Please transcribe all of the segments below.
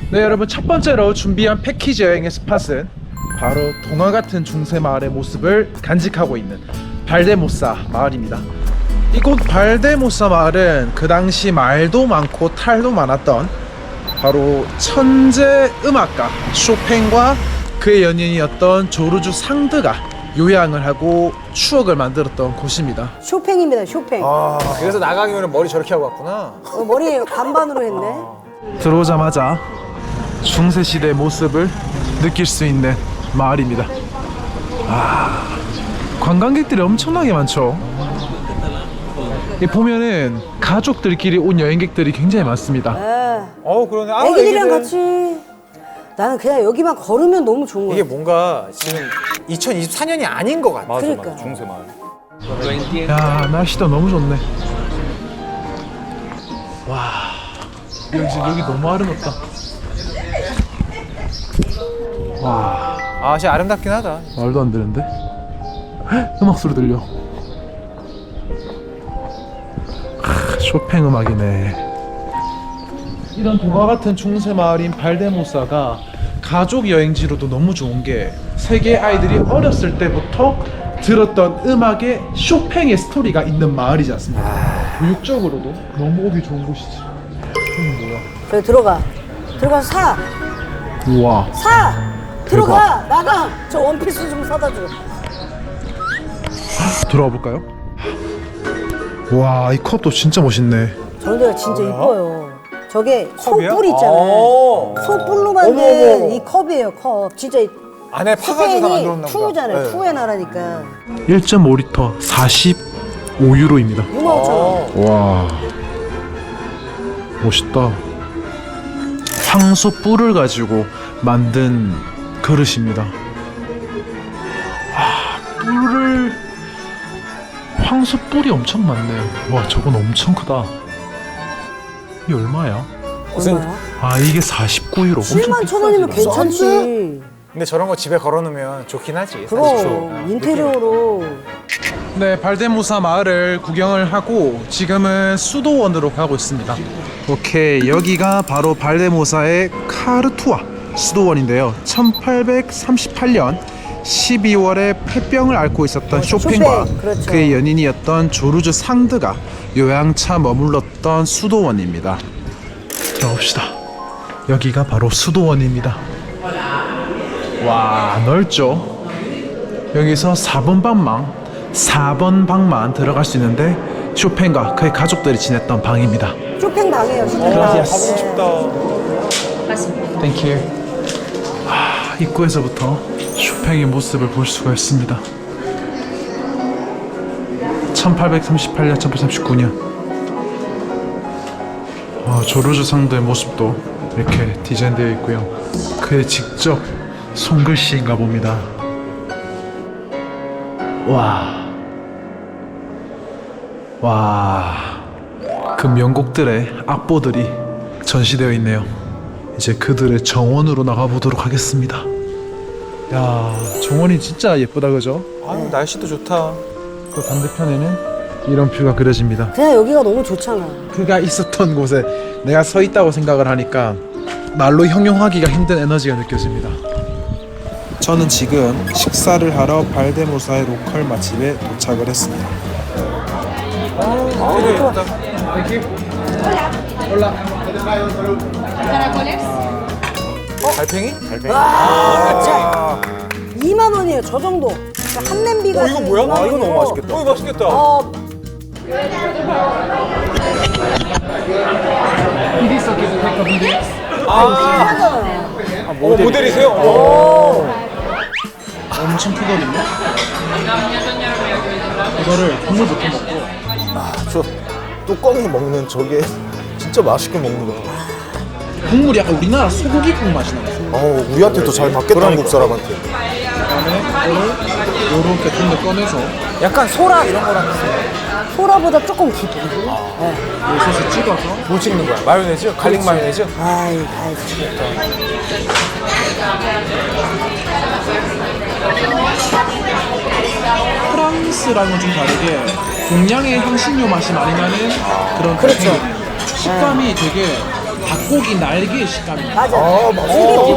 네, 여러분, 첫 번째로 준비한 패키지 여행의 스팟은 바로 동화 같은 중세 마을의 모습을 간직하고 있는 발데모사 마을입니다. 이곳 발데모사 마을은 그 당시 말도 많고 탈도 많았던 바로 천재 음악가 쇼팽과 그의 연인이었던 조르주 상드가 요양을 하고 추억을 만들었던 곳입니다. 쇼팽입니다, 쇼팽. 그래서 나가기면 머리 저렇게 하고 왔구나. 머리 반반으로 했네. 들어오자마자 중세시대의 모습을 느낄 수 있는 마을입니다. 관광객들이 엄청나게 많죠. 이 보면은 가족들끼리 온 여행객들이 굉장히 많습니다. 그러네. 애기들이랑 같이. 나는 그냥 여기만 걸으면 너무 좋은 거야. 이게 뭔가 지금 2024년이 아닌 것 같아. 그러니까. 중세 마을. 야, 날씨도 너무 좋네. 와, 여기 너무 아름답다. 와, 진짜 아름답긴 하다. 말도 안 되는데? 음악 소리 들려. 쇼팽 음악이네. 이런 동화 같은 중세 마을인 발데모사가 가족 여행지로도 너무 좋은 게 세계 아이들이 어렸을 때부터 들었던 음악에 쇼팽의 스토리가 있는 마을이지 않습니까? 교육적으로도 너무 오기 좋은 곳이지. 이건 뭐야? 저기 들어가. 들어가서 사. 우와. 사. 들어가. 나가. 저 원피스 좀 사다 줘. 들어가 볼까요? 와, 이 컵도 진짜 멋있네. 저런 데가 진짜 이뻐요. 저게 컵이야? 소뿔 있잖아요. 소뿔로 만든 이 컵이에요, 컵. 진짜 안에 파가지고 다 스페인이 만들었나 보다. 투잖아요. 네. 투의 나라니까. 1.5리터 45유로입니다. 65,000원. 와, 멋있다. 황소 뿔을 가지고 만든 그릇입니다. 황소 뿔이 엄청 많네. 와, 저건 엄청 크다. 이게 얼마야? 얼마야? 이게 49유로. 71,000원이면 괜찮지. 근데 저런 거 집에 걸어놓으면 좋긴 하지. 그럼 인테리어로. 네, 발데모사 마을을 구경을 하고 지금은 수도원으로 가고 있습니다. 오케이, 여기가 바로 발데모사의 카르투아 수도원인데요. 1838년 12월에 폐병을 앓고 있었던 쇼팽과 쇼팽, 그렇죠. 그의 연인이었던 조르주 상드가 요양차 머물렀던 수도원입니다. 들어봅시다. 여기가 바로 수도원입니다. 와, 넓죠? 여기서 4번 방만 들어갈 수 있는데 쇼팽과 그의 가족들이 지냈던 방입니다. 쇼팽 방이에요, 쇼팽 방. 가보고 싶다. 땡큐. 입구에서부터 쇼팽의 모습을 볼 수가 있습니다. 1838년, 1839년. 조르주 상도의 모습도 이렇게 디자인되어 있고요. 그의 직접 손글씨인가 봅니다. 와, 그 명곡들의 악보들이 전시되어 있네요. 이제 그들의 정원으로 나가보도록 하겠습니다. 야, 정원이 진짜 예쁘다, 그죠? 날씨도 좋다. 또 반대편에는 이런 뷰가 그려집니다. 그냥 여기가 너무 좋잖아. 그가 있었던 곳에 내가 서 있다고 생각을 하니까 말로 형용하기가 힘든 에너지가 느껴집니다. 저는 지금 식사를 하러 발데모사의 로컬 맛집에 도착을 했습니다. 되게 예쁘다. 달팽이? 달팽이. 자, 2만 원이에요, 저 정도. 한 냄비가. 이거 뭐야? 2만 이거 너무 원이고. 맛있겠다. 이거 맛있겠다. 모델이세요? 엄청 크거든요. 이거를 국물부터 먹고 저 뚜껑이 먹는 저게 진짜 맛있게 먹는 거야. 국물이 약간 우리나라 소고기 국물 맛이 나요. 우리한테 더 잘 맞겠다, 한국 사람한테. 그다음에 이거를 이렇게 좀 더 꺼내서 약간 소라 이런 거랑 비슷해. 소라보다 조금 깊고. 이 소스 찍어서 뭐 찍는 거야? 마요네즈? 갈릭 마요네즈? 아이, 프랑스랑은 좀 다르게 동양의 향신료 맛이 많이 나는 그런 그렇죠. 식감이 되게 닭고기 날개의 식감이. 맞아. 아, 맞아.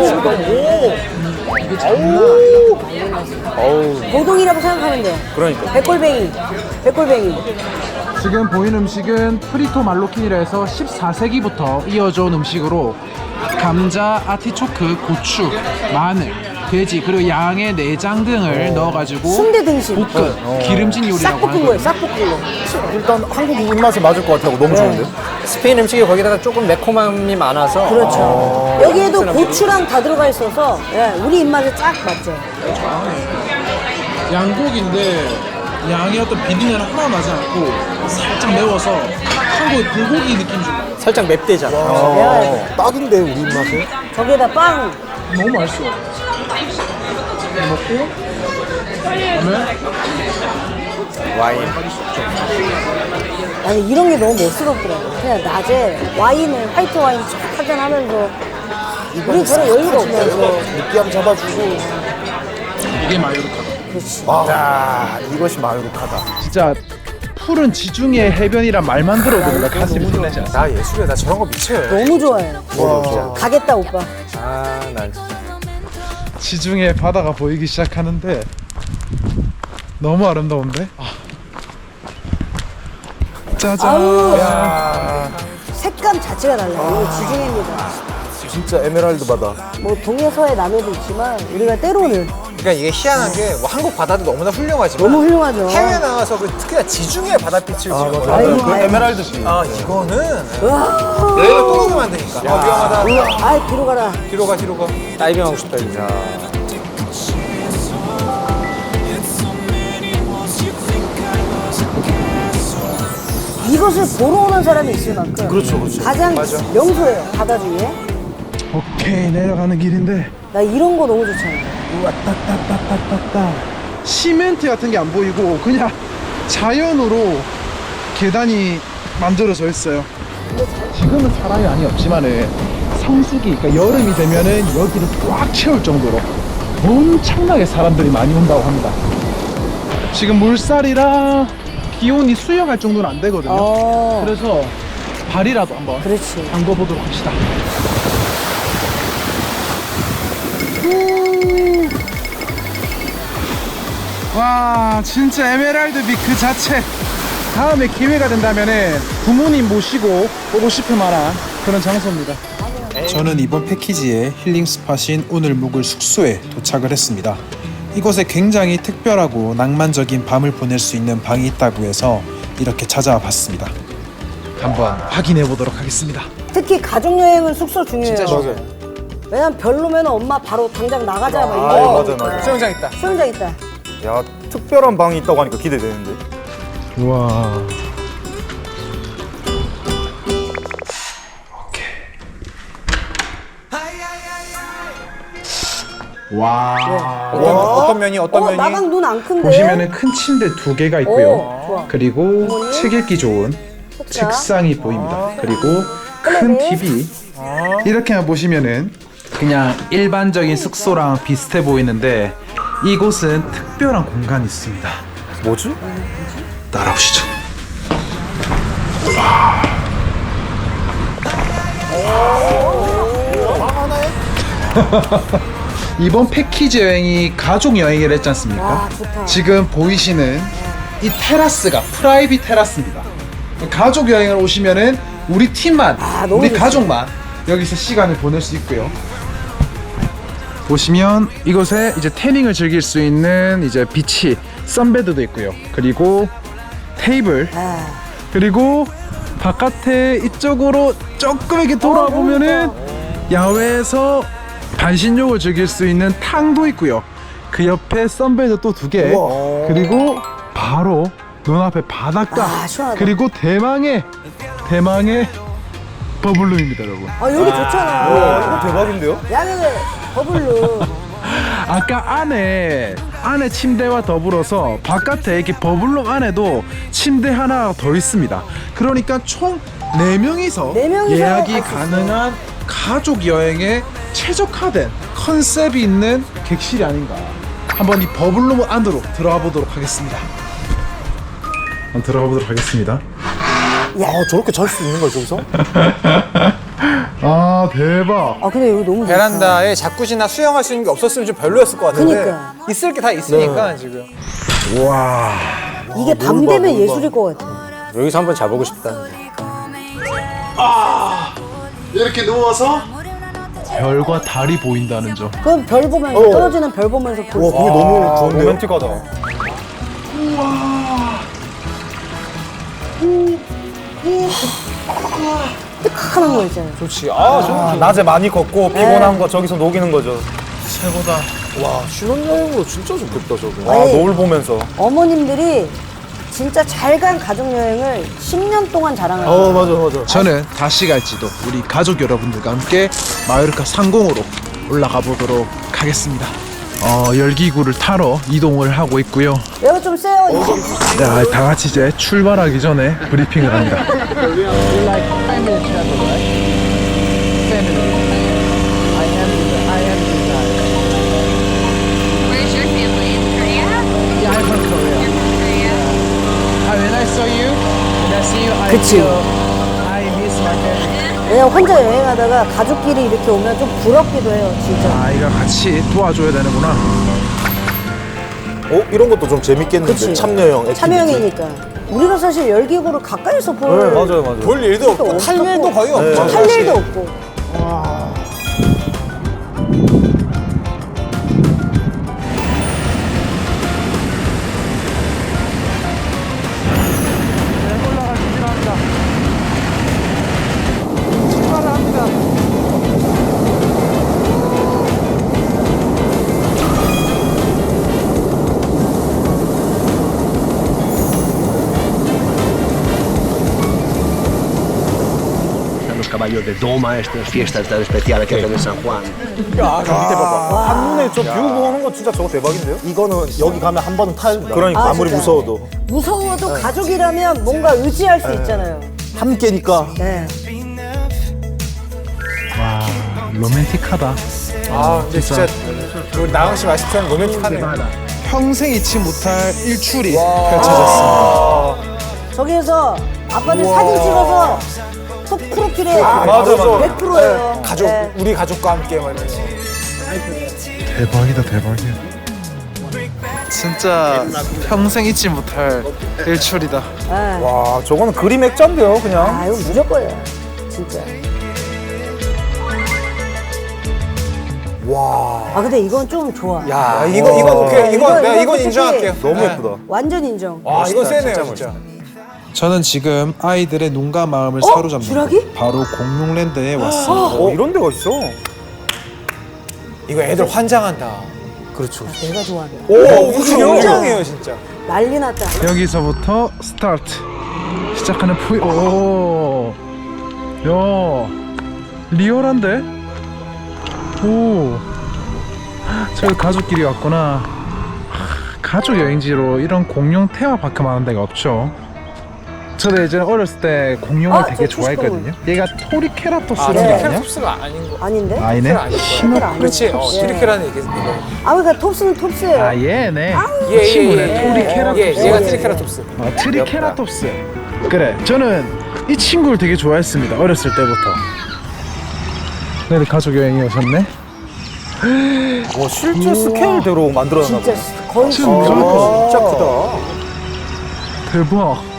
이게 장난 아니다. 어우. 고동이라고 생각하면 돼. 그러니까. 백골뱅이. 지금 보이는 음식은 프리토 말로킨이라 해서 14세기부터 이어져 온 음식으로 감자, 아티초크, 고추, 마늘, 돼지 그리고 양의 내장 등을 넣어가지고 순대 등심. 볶은 기름진 요리라고 싹 볶은 하는 거예요. 거예요. 싹 볶은 거. 일단 한국 입맛에 맞을 것 같아요. 너무 좋은데? 스페인 음식이 거기다가 조금 매콤함이 많아서 그렇죠. 여기에도 고추랑 다 들어가 있어서 예, 우리 입맛에 쫙 맞죠. 양고기인데 양의 어떤 비린내는 하나 나지 않고 살짝 매워서 한국의 불고기 느낌 좀 나요. 살짝 맵대잖아. 배워야 돼. 딱인데, 우리 입맛에? 저기에다 빵. 너무 맛있어. 이거 먹고 그다음에 와인. 아니 이런 게 너무 멋스럽더라고. 그냥 낮에 와인을 화이트 와인 쫙 한잔 하면서 우리 저런 여유가 없어요. 느끼함 잡아주고. 이게 마요르카다. 그렇지. 아, 이것이 마요르카다. 진짜 푸른 지중해 해변이란 말만 들어도 뭔가 가슴이 설레지 않습니까? 나 예술이야. 나 저런 거 미쳐요. 너무 좋아해요. 와. 가겠다 오빠. 아, 난 진짜. 지중해 바다가 보이기 시작하는데 너무 아름다운데? 짜잔. 아우. 야. 색감 자체가 달라요. 이거 지중해입니다. 진짜 에메랄드 바다. 뭐 동해서의 남해도 있지만 우리가 때로는 그러니까 이게 희한한 게 뭐 한국 바다도 너무나 훌륭하지만 너무 훌륭하죠. 해외 나와서 특히나 지중해 바다빛을 지금 맞아. 아이고, 그 아이고. 에메랄드지. 아 이거는 와. 내가 또 녹으면 안 되니까. 위험하다. 아 뒤로 가라. 뒤로 가 뒤로 가. 다이빙하고 싶다 이거. 이것을 보러 오는 사람이 있을 만큼 그렇죠, 그렇죠. 가장 맞아. 명소예요 바다 중에. 오케이 내려가는 길인데 나 이런 거 너무 좋잖아. 따따따따따따 시멘트 같은 게 안 보이고 그냥 자연으로 계단이 만들어져 있어요. 지금은 사람이 많이 없지만은 성수기 그러니까 여름이 되면은 여기를 꽉 채울 정도로 엄청나게 사람들이 많이 온다고 합니다. 지금 물살이랑 기온이 수영할 정도는 안 되거든요. 그래서 발이라도 한번 그렇지. 담궈보도록 합시다. 와 진짜 에메랄드빛 그 자체. 다음에 기회가 된다면은 부모님 모시고 오고 싶을 만한 그런 장소입니다. 저는 이번 패키지의 힐링 스팟인 오늘 묵을 숙소에 도착을 했습니다. 이곳에 굉장히 특별하고 낭만적인 밤을 보낼 수 있는 방이 있다고 해서 이렇게 찾아와 봤습니다. 한번 확인해 보도록 하겠습니다. 특히 가족 여행은 숙소 중요해요. 진짜 맞아요. 왜냐면 별로면 엄마 바로 당장 나가자 막 아, 이거. 맞아요, 맞아요. 수영장 있다. 수영장 있다. 야, 특별한 방이 있다고 하니까 기대되는데. 우와. 와. 어떤 면이 어떤 면이 나강 눈 안 큰데. 보시면은 큰 침대 2개가 있고요. 오, 좋아. 그리고 어머니? 책 읽기 좋은 책상. 책상이 보입니다. 그리고 큰 클레비. TV. 이렇게만 보시면은 그냥 일반적인 숙소랑 비슷해 보이는데 이곳은 특별한 공간이 있습니다. 뭐지? 따라오시죠. 이번 패키지 여행이 가족 여행이라 했지 않습니까? 와, 좋다. 지금 보이시는 이 테라스가 프라이빗 테라스입니다. 가족 여행을 오시면은 우리 팀만, 너무 우리 좋지. 가족만 여기서 시간을 보낼 수 있고요. 보시면 이곳에 이제 태닝을 즐길 수 있는 이제 비치, 선베드도 있고요. 그리고 테이블, 아, 그리고 바깥에 이쪽으로 조금 이렇게 돌아보면은 야외에서 반신욕을 즐길 수 있는 탕도 있고요. 그 옆에 선베드 또 2개, 우와. 그리고 바로 눈앞에 바닷가, 아, 시원하다. 그리고 대망의 버블룸입니다, 여러분. 여기 좋잖아. 이거 대박인데요? 야외 버블로. 아까 안에 침대와 더불어서 바깥에 이렇게 버블룸 안에도 침대 하나 더 있습니다. 그러니까 총 4명이서 네 명이서 예약이 갈수 있어요. 가능한 가족 여행에 최적화된 컨셉이 있는 객실이 아닌가. 한번 이 버블룸 안으로 들어가 보도록 하겠습니다. 한번 들어가 보도록 하겠습니다. 아, 저렇게 잘 수 있는 거야, 저기서? 와 대박. 아 근데 여기 너무 좋다. 베란다에 자쿠지나 수영할 수 있는 게 없었으면 좀 별로였을 것 같은데 그니까. 있을 게 다 있으니까 지금. 와. 이게 밤 되면 예술일 것 같아. 여기서 한번 자보고 싶다. 이렇게 누워서 별과 달이 보인다는 점. 그럼 별 보면서 떨어지는 별 보면서 볼 와 수 그게 있어. 너무 좋은데요? 로맨틱하다. 뜨끈한 거 있잖아요. 좋지. 아, 낮에 많이 걷고 피곤한 거 저기서 녹이는 거죠. 최고다. 와 신혼여행으로 진짜 좋겠다 저거. 와, 노을 보면서. 어머님들이 진짜 잘 간 가족여행을 10년 동안 자랑하는 맞아. 저는 다시 갈지도 우리 가족 여러분들과 함께 마요르카 상공으로 올라가 보도록 하겠습니다. 열기구를 타러 이동을 하고 있고요. 얘가 좀 세요. 자, 다 같이 이제 출발하기 전에 브리핑을 합니다. Where's your family? In Korea? Yeah, I'm from Korea. You're from Korea? When I saw you, when I see you, I 그치. feel I miss my family. 왜냐면 혼자 여행하다가 가족끼리 이렇게 오면 좀 부럽기도 해요, 진짜. 아이가 같이 도와줘야 되는구나. 이런 것도 좀 재밌겠는데 그치. 참여형 액티비티. 참여행이니까. 우리가 사실 열기구를 가까이서 볼 맞아요. 볼 일도 없고 탈 일도 거의 없죠. 탈 일도 없고. Los caballos de doma, estas fiestas tan especiales que hacen en San Juan. 야, 밑에 봐봐. 한눈에 저 뷰 보는 거 진짜 저거 대박인데요? 이거는 여기 가면 한 번은 타야 된다. 그러니까 아, 아무리 진짜. 무서워도 무서워도 가족이라면 뭔가 의지할 수 있잖아요. 함께니까. 네. 와, 로맨틱하다. 아, 근데 진짜 우리 나영 씨 말씀처럼 로맨틱하네요. 평생 잊지 못할 일출이 펼쳐졌습니다. 저기에서 아빠들 사진 찍어서 또 프로필에 맞아. 100%예요. 가족, 우리 가족과 함께 말이죠. 대박이다, 대박이야. 진짜 평생 잊지 못할 일출이다. 와, 저거는 그림 액자인데요, 그냥. 아, 이거 무조건이야. 진짜. 와, 아, 근데 이건 좀 좋아. 야, 이건 오케이. 내가 이건 솔직히 인정할게요. 너무 네. 예쁘다. 완전 인정. 아, 이건 세네요, 진짜. 저는 지금 아이들의 눈과 마음을 사로잡는 주라기? 바로 공룡랜드에 왔습니다. 이런 데가 있어. 이거 애들 환장한다. 그렇죠. 내가 좋아하는. 오, 환장해요, 진짜. 난리 났다. 여기서부터 스타트. 시작하는 오, 야, 리얼한데? 오, 저희 가족끼리 왔구나. 가족 여행지로 이런 공룡 테마파크 많은 데가 없죠. 저도 예전에 어렸을 때 공룡을 아, 되게 저 좋아했거든요. 얘가 토리케라토스라는 게 아니야? 트리케라톱스가 아닌 거. 아닌데? 아니네. 아닐 거야. 그렇지. 톱스. 트리케라는 이게 이거. 아, 그러니까 톱스는 톱스예요. 아, 얘네. 예, 친구네. 토리케라토스. 얘가 트리케라톱스. 트리케라톱스. 그래, 저는 이 친구를 되게 좋아했습니다. 어렸을 때부터. 근데 가족 여행이 오셨네. 와, 실제 스케일대로 만들어놨나 진짜 보다. 거의 진짜 진짜 크다. 대박.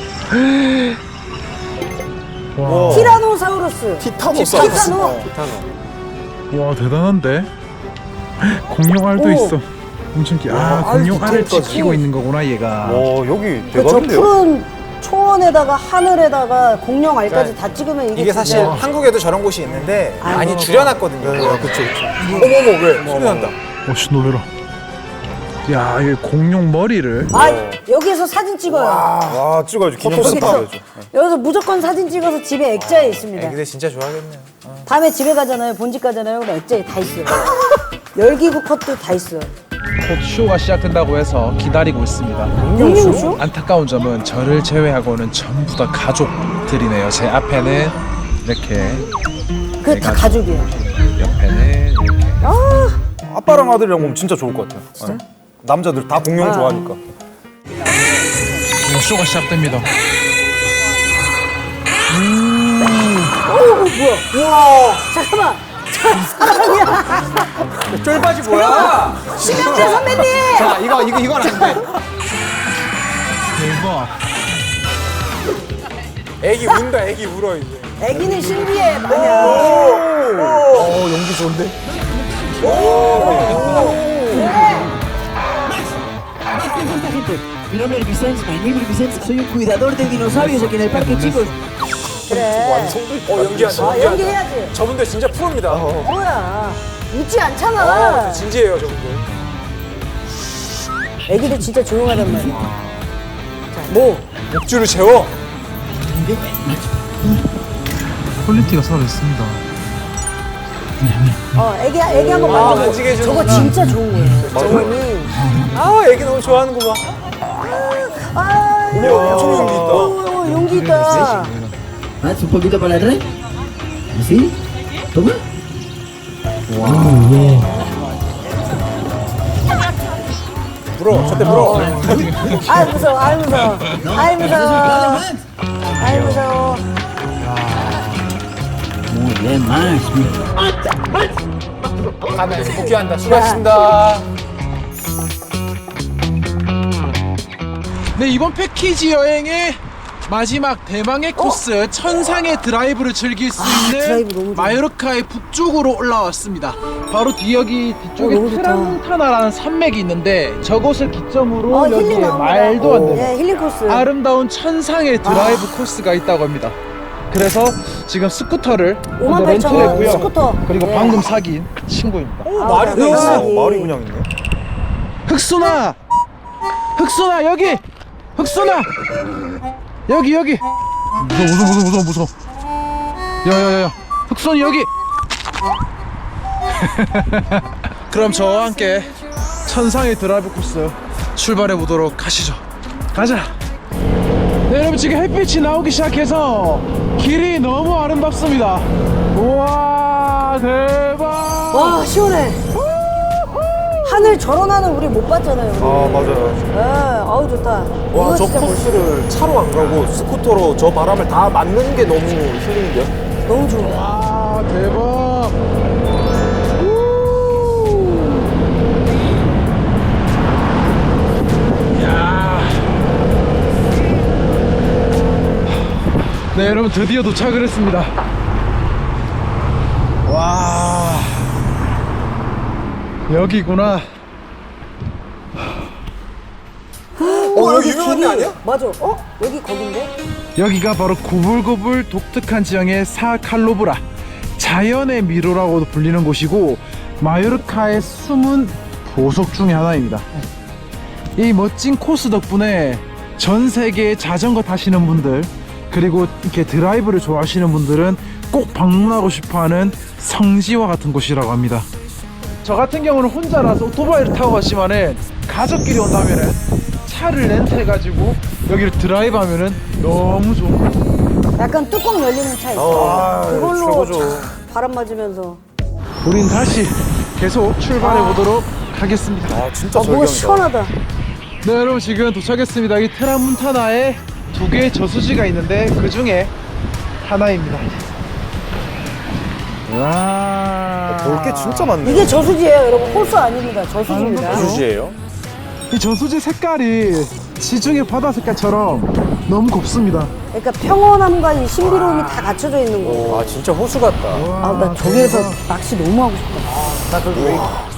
와, 티라노사우루스. 티타노사우루스. 티타노. 와, 대단한데? 공룡알도 오. 있어. 엄청 귀. 아, 알 공룡알을 디테일까지. 지키고 있는 거구나, 얘가. 와, 여기 저 대박인데요? 푸른 초원에다가 하늘에다가 공룡 알까지 다 찍으면 이게 이게 사실 진짜- 한국에도 저런 곳이 있는데 아이고. 많이 줄여놨거든요. 그쵸. 어머머, 왜? 소리 난다. 씨, 놀래라. 야, 이 공룡 머리를. 아, 여기에서 사진 찍어요. 와, 찍어야죠. 기념사진 여기서, 찍어야죠. 여기서 무조건 사진 찍어서 집에 액자에 있습니다. 애기들 진짜 좋아하겠네요. 다음에 집에 가잖아요. 본집 가잖아요. 그럼 액자에 다 있어요. 열기구 컷도 다 있어요. 곧 쇼가 시작된다고 해서 기다리고 있습니다. 공룡쇼? 안타까운 점은 저를 제외하고는 전부 다 가족들이네요. 제 앞에는 이렇게, 그게 다 가족이에요. 옆에는 이렇게. 아빠랑 아들이랑 보면 진짜 좋을 것 같아요. 네. 남자들 다 공룡 좋아하니까. 쇼가 시작됩니다. 우와. 잠깐만. 저 사람이야. 쫄바지 뭐야? 심영재 선배님. 자, 이건 안 돼. 대박. 애기 운다, 애기 울어, 이제. 애기는 신기해, 마냥. 연기 좋은데? Mi nombre es Vicente, my name is Vicente. Soy un cuidador de dinosaurios aquí en el parque, chicos. 그래. 연기한다, 아, 연기해야지. 저분들 진짜 프로입니다. 뭐야. 웃지 않잖아. 진지해요, 저분들. 애기들 진짜 조용하단 말이야. 자, 뭐. 목줄을 재워. 퀄리티가 살아있습니다. 애기 한번 만져보고. 만지게 해주는 저거 진짜 좋은 거예요. 저거는. 아, 애기 너무 좋아하는 거 봐. 아, 엄청 용기 있다. 용기 있다. Haz un poquito para atrás. ¿Así? Toma. 물어, 저때 물어. 아, 무서워, 아, 무서워. 아이, 무서워. 아이, 무서워. Muy bien, Max. 가면서 복귀한다. 수고하셨습니다. 네, 이번 패키지 여행의 마지막 대망의 코스 천상의 드라이브를 즐길 수 드라이브 있는 너무 좋아. 마요르카의 북쪽으로 올라왔습니다. 바로 여기 뒤쪽에 너무 좋다. 트라문타나라는 산맥이 있는데 저곳을 기점으로 힐링 여기에 나옵니다. 말도 안 되는 예, 힐링 코스. 아름다운 천상의 드라이브 코스가 있다고 합니다. 그래서 지금 스쿠터를 58,000원 렌트를 했고요. 스쿠터. 그리고 예. 방금 사귄 친구입니다. 말이 돼 있어. 마을이 그냥 있네. 흑순아! 흑순아 여기! 흑순아! 여기! 무서워. 야야야야! 흑순이 여기! 그럼 저와 함께 천상의 드라이브 코스 출발해 보도록 하시죠. 가자! 네, 여러분 지금 햇빛이 나오기 시작해서 길이 너무 아름답습니다. 우와 대박! 와, 시원해. 하늘 저런 하늘 우리 못 봤잖아요. 아, 맞아요. 예, 아우, 좋다. 와, 이거 저 진짜 코스를 차로 안 가고 스쿠터로 저 바람을 다 맞는 게 너무 힐링인데요? 너무 좋아. 와 대박! 네, 여러분 드디어 도착을 했습니다. 와 여기구나. 여기 유명한 데 아니야? 맞아. 여기 거긴데? 여기가 바로 고불고불 독특한 지형의 사칼로브라 자연의 미로라고도 불리는 곳이고 마요르카의 숨은 보석 중의 하나입니다. 이 멋진 코스 덕분에 전 세계에 자전거 타시는 분들 그리고 이렇게 드라이브를 좋아하시는 분들은 꼭 방문하고 싶어하는 성지와 같은 곳이라고 합니다. 저 같은 경우는 혼자라서 오토바이를 타고 갔지만은 가족끼리 온다면은 차를 렌트해가지고 여기를 드라이브 하면은 너무 좋은 거. 약간 뚜껑 열리는 차 있어. 그걸로 최고죠. 촥 바람 맞으면서. 우린 다시 계속 출발해 보도록 하겠습니다. 아, 진짜 뭐가 절경이다. 시원하다. 네, 여러분 지금 도착했습니다. 이 트라문타나에 2개의 저수지가 있는데 그 중에 하나입니다. 와, 볼 게 진짜 많네. 이게 저수지예요, 여러분. 홀수 아닙니다. 저수지입니다. 주지예요? 이 저수지 색깔이 지중해 바다 색깔처럼 너무 곱습니다. 그러니까 평온함과 이 신비로움이 다 갖춰져 있는 거. 아, 진짜 호수 같다. 나 저기에서 낚시 너무 하고 싶다. 나 그거